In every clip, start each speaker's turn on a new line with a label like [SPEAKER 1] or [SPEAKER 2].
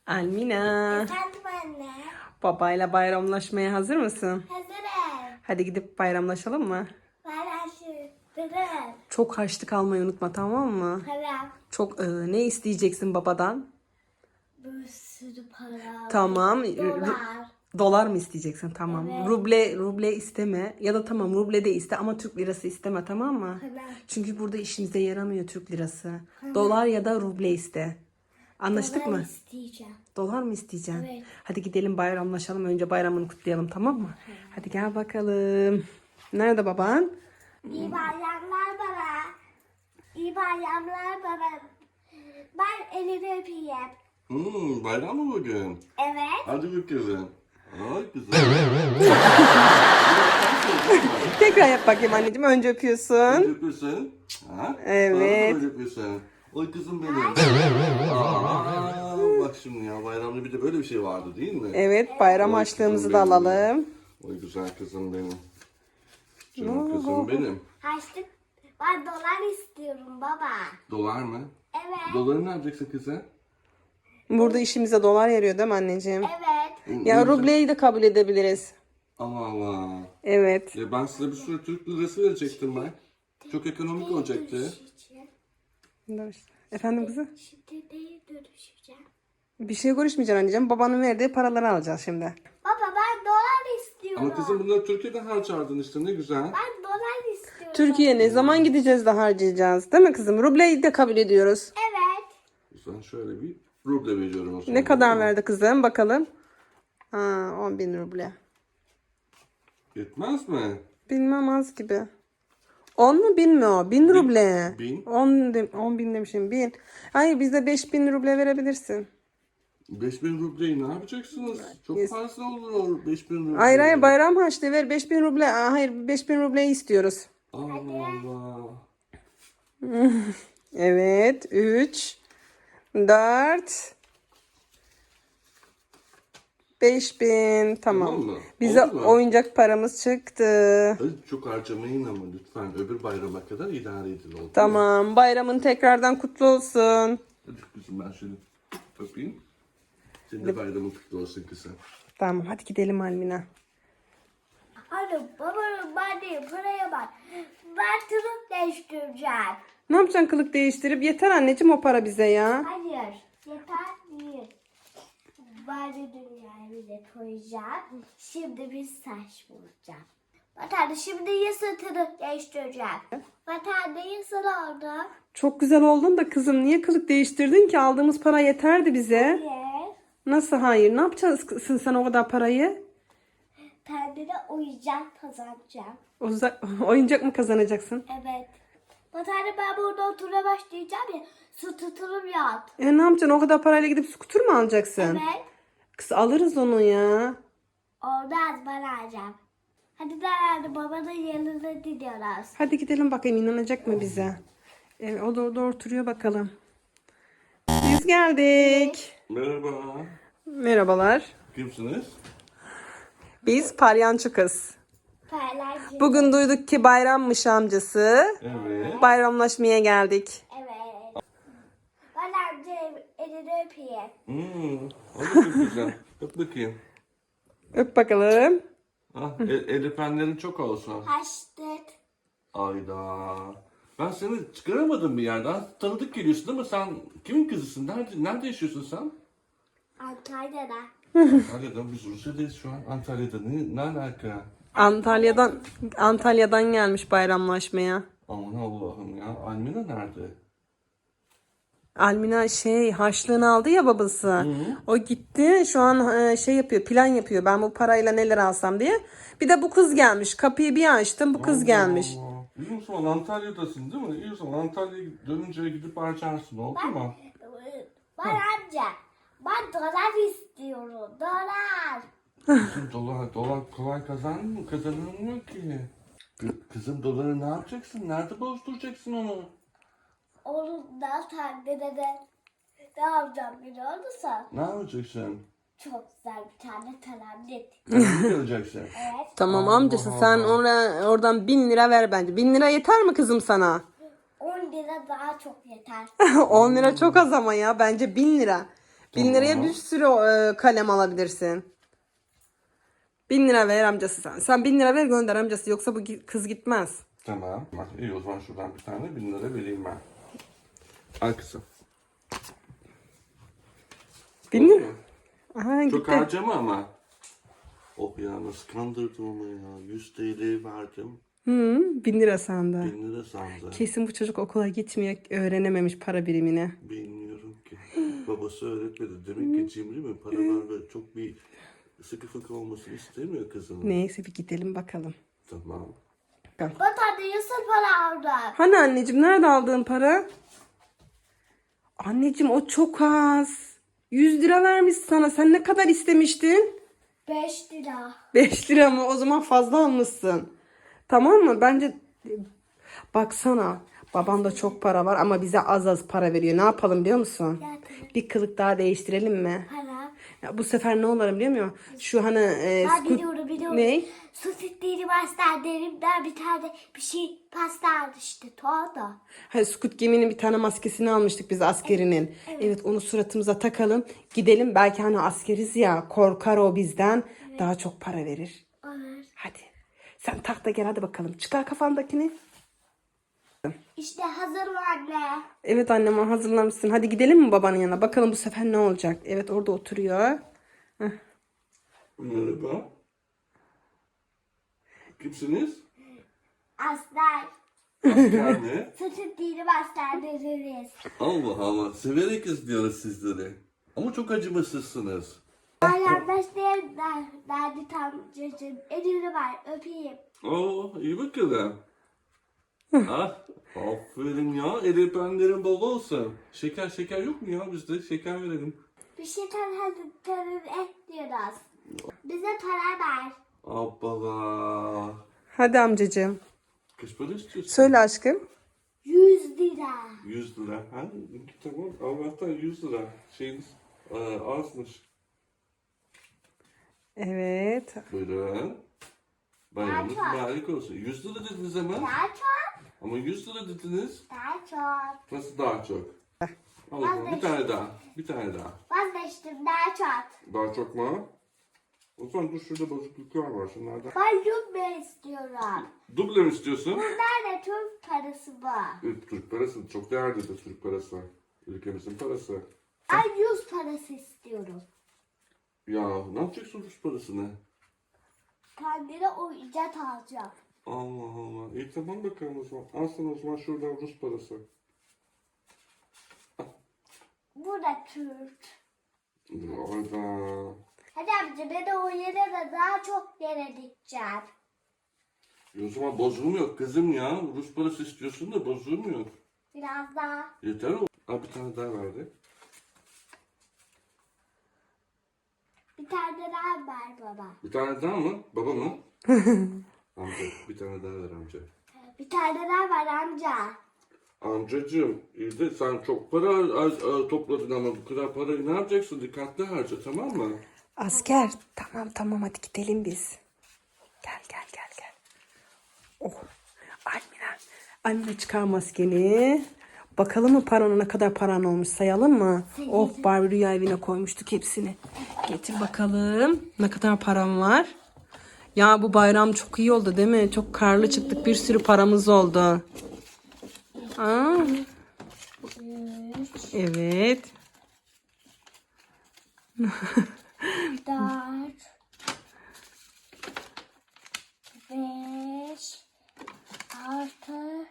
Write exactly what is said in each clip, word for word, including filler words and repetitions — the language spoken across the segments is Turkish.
[SPEAKER 1] Almina,
[SPEAKER 2] Efendim anne.
[SPEAKER 1] babayla bayramlaşmaya hazır mısın?
[SPEAKER 2] Hazırım.
[SPEAKER 1] Hadi gidip bayramlaşalım mı?
[SPEAKER 2] Paylaşırım.
[SPEAKER 1] Çok harçlık almayı unutma, tamam mı?
[SPEAKER 2] Para.
[SPEAKER 1] Çok e, ne isteyeceksin babadan?
[SPEAKER 2] Bir sürü para.
[SPEAKER 1] Tamam.
[SPEAKER 2] Dolar.
[SPEAKER 1] Dolar mı isteyeceksin? Tamam.
[SPEAKER 2] Evet.
[SPEAKER 1] Ruble ruble isteme ya da tamam ruble de iste ama Türk lirası isteme, tamam mı?
[SPEAKER 2] Para.
[SPEAKER 1] Çünkü burada işimize yaramıyor Türk lirası. Dolar ya da ruble iste. Anlaştık
[SPEAKER 2] Dolar
[SPEAKER 1] mı?
[SPEAKER 2] isteyeceğim.
[SPEAKER 1] Dolar mı isteyeceksin?
[SPEAKER 2] Evet.
[SPEAKER 1] Hadi gidelim bayramlaşalım. Önce bayramını kutlayalım, tamam mı? Hadi gel bakalım. Nerede baban?
[SPEAKER 2] İyi bayramlar baba. İyi bayramlar baba. Ben elini öpeyim.
[SPEAKER 3] Hmm, bayram mı bugün?
[SPEAKER 2] Evet.
[SPEAKER 3] Hadi bakalım. Ay güzel.
[SPEAKER 1] Tekrar yap bakayım anneciğim. Önce öpüyorsun.
[SPEAKER 3] Öpüyorsun. Ha?
[SPEAKER 1] Evet.
[SPEAKER 3] Böyle öpüyorsun. Oy kızım benim. Aa, bak şimdi ya bayramda bir de böyle bir şey vardı değil mi?
[SPEAKER 1] Evet, bayram
[SPEAKER 3] Oy
[SPEAKER 1] harçlığımızı
[SPEAKER 3] kızım
[SPEAKER 1] da
[SPEAKER 3] benim.
[SPEAKER 1] alalım.
[SPEAKER 3] Oy güzel kızım benim. Canım kızım benim.
[SPEAKER 2] Harçlık. Ben dolar istiyorum baba.
[SPEAKER 3] Dolar mı?
[SPEAKER 2] Evet.
[SPEAKER 3] Doları ne yapacaksın kızım?
[SPEAKER 1] Burada işimize dolar yarıyor değil mi anneciğim?
[SPEAKER 2] Evet.
[SPEAKER 1] Ya rubleyi de kabul edebiliriz.
[SPEAKER 3] Allah Allah.
[SPEAKER 1] Evet.
[SPEAKER 3] Ya ben size bir sürü Türk lirası verecektim ben. Çok ekonomik olacaktı.
[SPEAKER 2] Dönüşeceğim.
[SPEAKER 1] Efendim kızım?
[SPEAKER 2] Şimdi neye dönüşeceğim?
[SPEAKER 1] Bir şey görüşmeyeceksin anneciğim. Babanın verdiği paraları alacağız şimdi.
[SPEAKER 2] Baba ben dolar istiyorum.
[SPEAKER 3] Ama kızım bunları Türkiye'de harcardın işte ne güzel.
[SPEAKER 2] Ben dolar istiyorum.
[SPEAKER 1] Türkiye ne zaman gideceğiz de harcayacağız değil mi kızım? Rubleyi de kabul ediyoruz.
[SPEAKER 2] Evet.
[SPEAKER 3] O zaman şöyle bir ruble veriyorum o zaman.
[SPEAKER 1] Ne kadar verdi kızım bakalım. Ha, on bin ruble.
[SPEAKER 3] Yetmez mi?
[SPEAKER 1] Bilmem, az gibi. on mu bin mi o? Bin ruble.
[SPEAKER 3] bin.
[SPEAKER 1] on, de, on bin demişim, bin. Hayır, bize beş bin ruble verebilirsin.
[SPEAKER 3] beş bin rubleyi ne yapacaksınız? Çok
[SPEAKER 1] Yes.
[SPEAKER 3] fazla olur o beş bin ruble.
[SPEAKER 1] Hayır hayır, bayram harçlığı ver, beş bin ruble. Aa, hayır, beş bin rubleyi istiyoruz.
[SPEAKER 3] Allah Allah.
[SPEAKER 1] Evet, üç, dört, beş bin. Tamam.
[SPEAKER 3] Tamam mı?
[SPEAKER 1] Bize
[SPEAKER 3] Oldu mu?
[SPEAKER 1] oyuncak paramız çıktı.
[SPEAKER 3] Ay, çok harcamayın ama lütfen öbür bayrama kadar idare edin oldu mu?
[SPEAKER 1] Tamam, bayramın tekrardan kutlu olsun.
[SPEAKER 3] Hadi kızım ben şöyle öpeyim. Senin de bayramın kutlu olsun kızım.
[SPEAKER 1] Tamam, hadi gidelim Almina.
[SPEAKER 2] Anne babanın verdiği paraya bak. Ben tırık değiştireceğim.
[SPEAKER 1] Ne yapacaksın kılık değiştirip? Yeter anneciğim o para bize ya.
[SPEAKER 2] Hayır. Yeter değil. Ben de dünyayı bile koyacağım. Şimdi bir saç bulacağım. Vatandaş şimdi yasın tırık değiştireceğim. Vatandaş yasın oldu.
[SPEAKER 1] Çok güzel oldun da kızım, niye kılık değiştirdin ki? Aldığımız para yeterdi bize.
[SPEAKER 2] Hayır.
[SPEAKER 1] Nasıl hayır? Ne yapacaksın sen o kadar parayı?
[SPEAKER 2] Kendine oyuncak kazanacağım.
[SPEAKER 1] Oza- oyuncak mı kazanacaksın?
[SPEAKER 2] Evet. Vatandaş ben burada oturmaya başlayacağım ya. Su tutulum yok.
[SPEAKER 1] E ne yapacaksın? O kadar parayla gidip skuter mı alacaksın?
[SPEAKER 2] Evet.
[SPEAKER 1] Kız alırız onu ya.
[SPEAKER 2] Olmaz ben alacağım. Hadi derlerdi babanın yanına gidiyoruz.
[SPEAKER 1] Hadi gidelim bakayım, inanacak mı bize? Evet, o da orada oturuyor bakalım. Biz geldik.
[SPEAKER 3] Merhaba.
[SPEAKER 1] Merhabalar.
[SPEAKER 3] Kimsiniz?
[SPEAKER 1] Biz Palyaço Kız.
[SPEAKER 2] Paylaşım.
[SPEAKER 1] Bugün duyduk ki bayrammış amcası.
[SPEAKER 3] Evet.
[SPEAKER 1] Bayramlaşmaya geldik.
[SPEAKER 2] Evet. Ben amcayım elini öpeyim.
[SPEAKER 3] Hmm. Hadi çok güzel. Öp bakayım.
[SPEAKER 1] Öp bakalım.
[SPEAKER 3] Ah, el, el öpenlerin çok olsun.
[SPEAKER 2] Açtık.
[SPEAKER 3] Ayda. Ben seni çıkaramadım bir yerden. Tanıdık geliyorsun ama sen kimin kızısın? Nerede, nerede yaşıyorsun sen?
[SPEAKER 2] Antalya'da.
[SPEAKER 3] Antalya'da. Biz Rusya'dayız şu an. Antalya'da. Ne, ne alaka?
[SPEAKER 1] Antalya'dan Antalya'dan gelmiş bayramlaşmaya.
[SPEAKER 3] Aman Allah'ım ya. Almina nerede?
[SPEAKER 1] Almina şey harçlığını aldı ya babası. O gitti şu an e, şey yapıyor, plan yapıyor. Ben bu parayla neler alsam diye. Bir de bu kız gelmiş. Kapıyı bir açtım, bu kız gelmiş.
[SPEAKER 3] Allah. İyi o zaman Antalya'dasın değil mi? İyi o zaman Antalya'ya dönünce gidip harcarsın. Oldu mu?
[SPEAKER 2] Ben amca. Ben dolar istiyorum. Dolar.
[SPEAKER 3] Kızım dolar, dolar kolay kazanmıyor, kazanılmıyor ki. Kı- Kızım doları ne yapacaksın? Nerede bozduracaksın onu?
[SPEAKER 2] Onun da taklide de ne yapacağım biliyor musun?
[SPEAKER 3] Ne yapacaksın?
[SPEAKER 2] Çok güzel bir tane talamlet.
[SPEAKER 3] Ne göreceksin?
[SPEAKER 2] Evet.
[SPEAKER 1] Tamam
[SPEAKER 3] Allah
[SPEAKER 1] amcası, sen
[SPEAKER 3] Allah.
[SPEAKER 1] ona, oradan bin lira ver bence. Bin lira yeter mi kızım sana?
[SPEAKER 2] on lira daha çok yeter.
[SPEAKER 1] on lira çok az ama ya, bence bin lira. Bin liraya
[SPEAKER 3] Tamam.
[SPEAKER 1] bir sürü e, kalem alabilirsin. Bin lira ver amcası sen. Sen bin lira ver gönder amcası. Yoksa bu gi- kız gitmez.
[SPEAKER 3] Tamam. Bak, iyi o zaman şuradan bir tane bin lira vereyim ben. Al kızım.
[SPEAKER 1] Bin
[SPEAKER 3] Oldu
[SPEAKER 1] lira.
[SPEAKER 3] mu?
[SPEAKER 1] Aha
[SPEAKER 3] Çok
[SPEAKER 1] gitti.
[SPEAKER 3] harcama ama. Oh ya nasıl kandırdım ama ya. yüz T L verdim.
[SPEAKER 1] Hı, bin lira sandı.
[SPEAKER 3] bin lira sandı.
[SPEAKER 1] Kesin bu çocuk okula gitmiyor. Öğrenememiş para birimini.
[SPEAKER 3] Bilmiyorum ki. Babası öğretmedi. Demek ki cimri mi? Para var ve çok bir sıkı fıkı olmasını istemiyor kızının.
[SPEAKER 1] Neyse bir gidelim bakalım.
[SPEAKER 3] Tamam.
[SPEAKER 2] Batarya Yusuf para aldı.
[SPEAKER 1] Hani anneciğim nerede aldığın para? Anneciğim o çok az. yüz lira vermiş sana. Sen ne kadar istemiştin?
[SPEAKER 2] beş lira.
[SPEAKER 1] beş lira mı? O zaman fazla almışsın. Tamam mı? Bence baksana. Babanda çok para var ama bize az az para veriyor. Ne yapalım biliyor musun?
[SPEAKER 2] Ya tabii.
[SPEAKER 1] Bir kılık daha değiştirelim mi?
[SPEAKER 2] Para.
[SPEAKER 1] Ya bu sefer ne olarım biliyor musun? Şu hani e,
[SPEAKER 2] Ben
[SPEAKER 1] scoot-
[SPEAKER 2] biliyorum biliyorum.
[SPEAKER 1] Ne?
[SPEAKER 2] Su sütleri derimden bir tane bir şey pasta aldı işte. Tuğda.
[SPEAKER 1] Hani Squid Game'nin bir tane maskesini almıştık biz askerinin. Evet, onu suratımıza takalım. Gidelim belki hani askeriz ya, korkar o bizden. Daha çok para verir.
[SPEAKER 2] Olur.
[SPEAKER 1] Hadi. Sen tak da gel hadi bakalım. Çıkar kafandakini.
[SPEAKER 2] İşte hazır mı anne?
[SPEAKER 1] Evet annem hazırlamışsın. Hadi gidelim mi babanın yanına? Bakalım bu sefer ne olacak? Evet orada oturuyor.
[SPEAKER 3] Merhaba. Kimsiniz?
[SPEAKER 2] Aslan.
[SPEAKER 3] Asker mi?
[SPEAKER 2] Su sütleri bastırdırırız.
[SPEAKER 3] Allah Allah. Severek izliyoruz sizleri. Ama çok acımasızsınız.
[SPEAKER 2] Arkadaşlarım derdi tam çocuğum. Elini ver öpeyim.
[SPEAKER 3] Oo iyi bakalım. ah, aferin ya. El öpenlerin bol olsun. Şeker şeker yok mu ya bizde? Şeker verelim.
[SPEAKER 2] Bir şey tanıdıklarını et diyoruz. Bize para ver.
[SPEAKER 3] Abbala.
[SPEAKER 1] Hadi amcacığım.
[SPEAKER 3] Kaç para istiyorsun?
[SPEAKER 1] Söyle aşkım.
[SPEAKER 2] Yüz lira.
[SPEAKER 3] yüz lira. Ha? Tamam. Allah'tan yüz lira. Şeyiniz e, azmış.
[SPEAKER 1] Evet.
[SPEAKER 3] Buyurun. Bayramınız
[SPEAKER 2] Daha çok.
[SPEAKER 3] mübarek olsun. yüz lira dediniz ama.
[SPEAKER 2] Daha çok.
[SPEAKER 3] Ama yüz lira dediniz.
[SPEAKER 2] Daha çok.
[SPEAKER 3] Nasıl daha çok? Al o zaman bir tane daha. Bir tane daha.
[SPEAKER 2] Vazgeçtim daha çok.
[SPEAKER 3] Daha çok mu? O zaman dur şurada bozukluklar var. Şunlardan.
[SPEAKER 2] Ben yutma istiyorum.
[SPEAKER 3] Duble mi istiyorsun?
[SPEAKER 2] Nerede Türk parası var?
[SPEAKER 3] Evet, Türk parası. Çok değerlidir Türk parası. Ülkemizin parası.
[SPEAKER 2] Ben yüz parası istiyorum.
[SPEAKER 3] Ya ne yapacaksın Rus parasını?
[SPEAKER 2] Kendine oyuncak alacağım.
[SPEAKER 3] Allah Allah. İyi tamam bakalım o zaman. Al sana o zaman şuradan Rus parası.
[SPEAKER 2] Bu da Türk.
[SPEAKER 3] Orada.
[SPEAKER 2] Hadi amca ben o yere de daha çok yere dikeceğim.
[SPEAKER 3] E o zaman bozulmuyor kızım ya. Rus parası istiyorsun da bozulmuyor.
[SPEAKER 2] Biraz daha.
[SPEAKER 3] Yeter o. Al bir tane daha verdi.
[SPEAKER 2] Bir tane daha ver baba.
[SPEAKER 3] Bir tane daha mı? Baba mı? Amca bir tane daha ver amca.
[SPEAKER 2] Bir tane daha ver amca.
[SPEAKER 3] Amcacığım iyi de sen çok para az, az, topladın ama bu kadar parayı ne yapacaksın? Dikkatli harca tamam mı?
[SPEAKER 1] Asker. Tamam tamam hadi gidelim biz. Gel gel gel gel. Oh. Almina. Almina çıkar maskeni. Bakalım mı paranın ne kadar paran olmuş sayalım mı? Oh Barbie rüya evine koymuştuk hepsini. Getir bakalım ne kadar param var. Ya bu bayram çok iyi oldu değil mi? Çok karlı çıktık bir sürü paramız oldu. Aa. Evet.
[SPEAKER 2] Dört. Beş. Altı.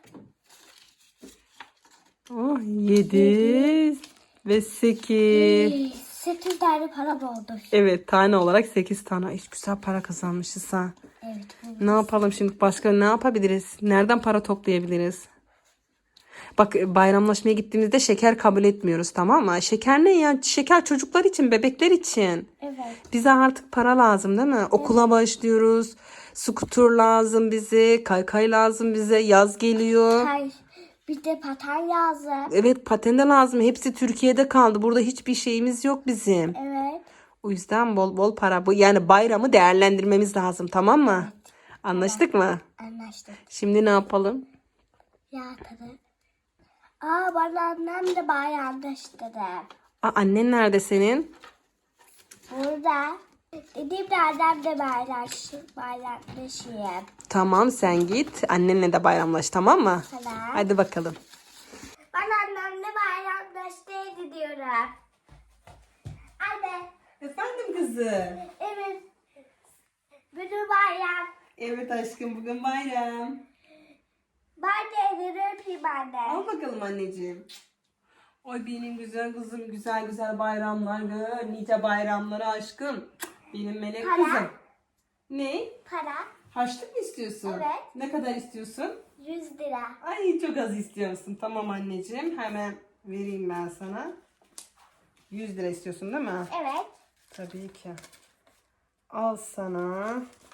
[SPEAKER 1] Oh, yedi ve sekiz.
[SPEAKER 2] Sekiz tane para oldu.
[SPEAKER 1] Evet tane olarak sekiz tane. Hiç güzel para kazanmışız ha.
[SPEAKER 2] Evet.
[SPEAKER 1] Ne yapalım şimdi başka ne yapabiliriz? Nereden para toplayabiliriz? Bak bayramlaşmaya gittiğimizde şeker kabul etmiyoruz tamam mı? Şeker ne ya? Şeker çocuklar için, bebekler için.
[SPEAKER 2] Evet.
[SPEAKER 1] Bize artık para lazım değil mi? Okula başlıyoruz. Skuter lazım bize. Kaykay lazım bize. Yaz geliyor.
[SPEAKER 2] Hayır. Bir de paten lazım.
[SPEAKER 1] Evet paten de lazım. Hepsi Türkiye'de kaldı. Burada hiçbir şeyimiz yok bizim.
[SPEAKER 2] Evet.
[SPEAKER 1] O yüzden bol bol para. Bu yani bayramı değerlendirmemiz lazım tamam mı? Anlaştık mı?
[SPEAKER 2] Anlaştık.
[SPEAKER 1] Şimdi ne yapalım?
[SPEAKER 2] Ya tadı. Aa bana annem de bayramlaştırdı.
[SPEAKER 1] Aa, annen nerede senin?
[SPEAKER 2] Burada. Dediğim annem de bayramlaşayım. Bayramlaşayım.
[SPEAKER 1] Tamam sen git. Annenle de bayramlaş tamam mı?
[SPEAKER 2] Tamam.
[SPEAKER 1] Hadi bakalım.
[SPEAKER 2] Ben annemle bayramlaşmaya gidiyorum. Anne.
[SPEAKER 1] Efendim kızım.
[SPEAKER 2] Evet. Bugün bayram.
[SPEAKER 1] Evet aşkım bugün bayram.
[SPEAKER 2] Ben de elini öpeyim anne.
[SPEAKER 1] Al bakalım anneciğim. Oy benim güzel kızım güzel güzel bayramlar gör. Nice bayramları aşkım. Benim melek
[SPEAKER 2] Para.
[SPEAKER 1] kızım. Ne?
[SPEAKER 2] Para.
[SPEAKER 1] Harçlık mı istiyorsun?
[SPEAKER 2] Evet.
[SPEAKER 1] Ne kadar istiyorsun?
[SPEAKER 2] yüz lira.
[SPEAKER 1] Ay çok az istiyorsun. Tamam anneciğim. Hemen vereyim ben sana. yüz lira istiyorsun değil mi?
[SPEAKER 2] Evet.
[SPEAKER 1] Tabii ki. Al sana.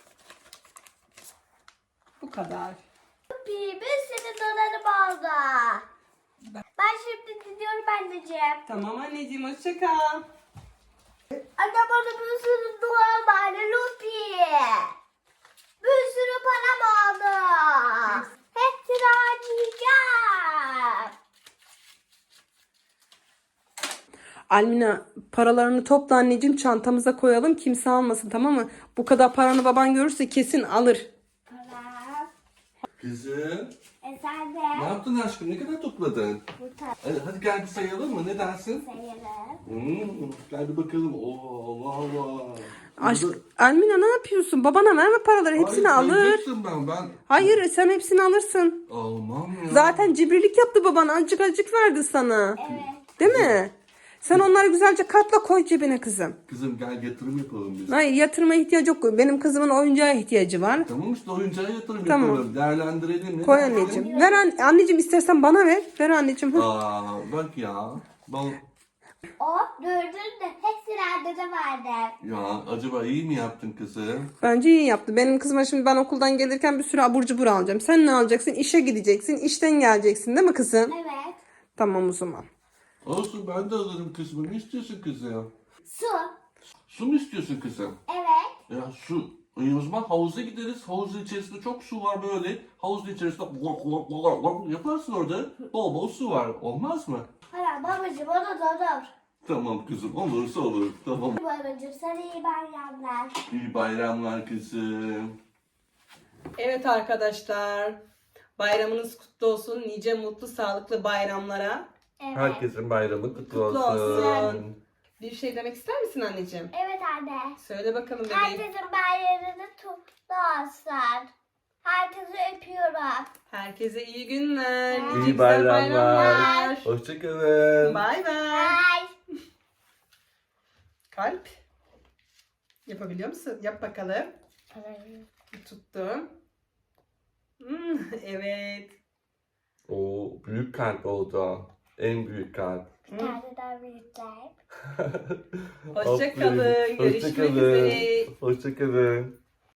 [SPEAKER 1] Bu kadar.
[SPEAKER 2] Bir, bir sürü dolarım oldu. Ben şimdi gidiyorum anneciğim.
[SPEAKER 1] Tamam anneciğim hoşça kal.
[SPEAKER 2] Anne bana bir sürü dolar var Lupi. Bir sürü param oldu. Hepsini harcayacağım.
[SPEAKER 1] Almina paralarını topla anneciğim çantamıza koyalım kimse almasın tamam mı? Bu kadar paranı baban görürse kesin alır.
[SPEAKER 2] Param.
[SPEAKER 3] Kızım.
[SPEAKER 2] Efendim.
[SPEAKER 3] Ne yaptın aşkım? Ne kadar topladın?
[SPEAKER 2] Bu tarafı
[SPEAKER 3] Hadi, hadi gel bir sayalım mı? Ne dersin?
[SPEAKER 2] sayarım.
[SPEAKER 3] Hmm, gel bir bakalım. Oo Allah Allah.
[SPEAKER 1] Aşk
[SPEAKER 3] Burada-
[SPEAKER 1] Almina ne yapıyorsun? Babana verme paraları hepsini
[SPEAKER 3] Hayır,
[SPEAKER 1] alır.
[SPEAKER 3] sayacaktım ben. Ben
[SPEAKER 1] Hayır sen hepsini alırsın.
[SPEAKER 3] almam ya.
[SPEAKER 1] Zaten cimrilik yaptı baban azıcık azıcık verdi sana.
[SPEAKER 2] Evet.
[SPEAKER 1] Değil mi? Sen onları güzelce katla koy cebine kızım.
[SPEAKER 3] Kızım gel yatırım yapalım biz.
[SPEAKER 1] Hayır yatırma ihtiyacı yok. Benim kızımın oyuncağa ihtiyacı var.
[SPEAKER 3] Tamam işte oyuncağa yatırım
[SPEAKER 1] Tamam.
[SPEAKER 3] yapalım. Değerlendirelim. Ne
[SPEAKER 1] Koy
[SPEAKER 3] dersin?
[SPEAKER 1] anneciğim. Ver an- anneciğim istersen bana ver. Ver anneciğim. Hı.
[SPEAKER 3] Aa bak ya. Ben,
[SPEAKER 2] O gördün de hepsini annede verdim.
[SPEAKER 3] ya acaba iyi mi yaptın kızım?
[SPEAKER 1] Bence iyi yaptı. Benim kızıma şimdi ben okuldan gelirken bir sürü abur cubur alacağım. Sen ne alacaksın? İşe gideceksin. İşten geleceksin değil mi kızım?
[SPEAKER 2] Evet.
[SPEAKER 1] Tamam o zaman.
[SPEAKER 3] Olsun ben de alırım kızım. Ne istiyorsun kızım?
[SPEAKER 2] Su.
[SPEAKER 3] Su mu istiyorsun kızım?
[SPEAKER 2] Evet.
[SPEAKER 3] Ya su. E o zaman havuza gideriz. Havuzun içerisinde çok su var böyle. Havuzun içerisinde lok lok lok lok yaparsın orada. Bol bol su var. Olmaz mı?
[SPEAKER 2] Hayır babacığım o da olur.
[SPEAKER 3] Tamam kızım. Olursa olur. Tamam.
[SPEAKER 2] Babacığım sana iyi bayramlar.
[SPEAKER 3] İyi bayramlar kızım.
[SPEAKER 1] Evet arkadaşlar. Bayramınız kutlu olsun. Nice mutlu sağlıklı bayramlara.
[SPEAKER 2] Evet.
[SPEAKER 3] Herkesin bayramı kutlu,
[SPEAKER 1] Kutlu
[SPEAKER 3] olsun.
[SPEAKER 1] olsun. Bir şey demek ister misin anneciğim?
[SPEAKER 2] Evet anne.
[SPEAKER 1] Söyle bakalım bebeğim.
[SPEAKER 2] Herkesin bayramını kutlu olsun. Herkesi öpüyorum.
[SPEAKER 1] Herkese iyi günler.
[SPEAKER 2] İyi
[SPEAKER 1] nice güzel
[SPEAKER 2] bayramlar.
[SPEAKER 3] Hoşçakalın.
[SPEAKER 1] Bay bay.
[SPEAKER 2] Bye.
[SPEAKER 1] Kalp. Yapabiliyor musun? Yap bakalım. Tuttum. Hmm, evet.
[SPEAKER 3] O büyük kalp oldu. En büyük kalp.
[SPEAKER 2] Bir tane daha büyükler.
[SPEAKER 1] Hoşça kalın. Görüşmek
[SPEAKER 3] Hoşçakalın.
[SPEAKER 1] üzere.
[SPEAKER 3] Hoşçakalın.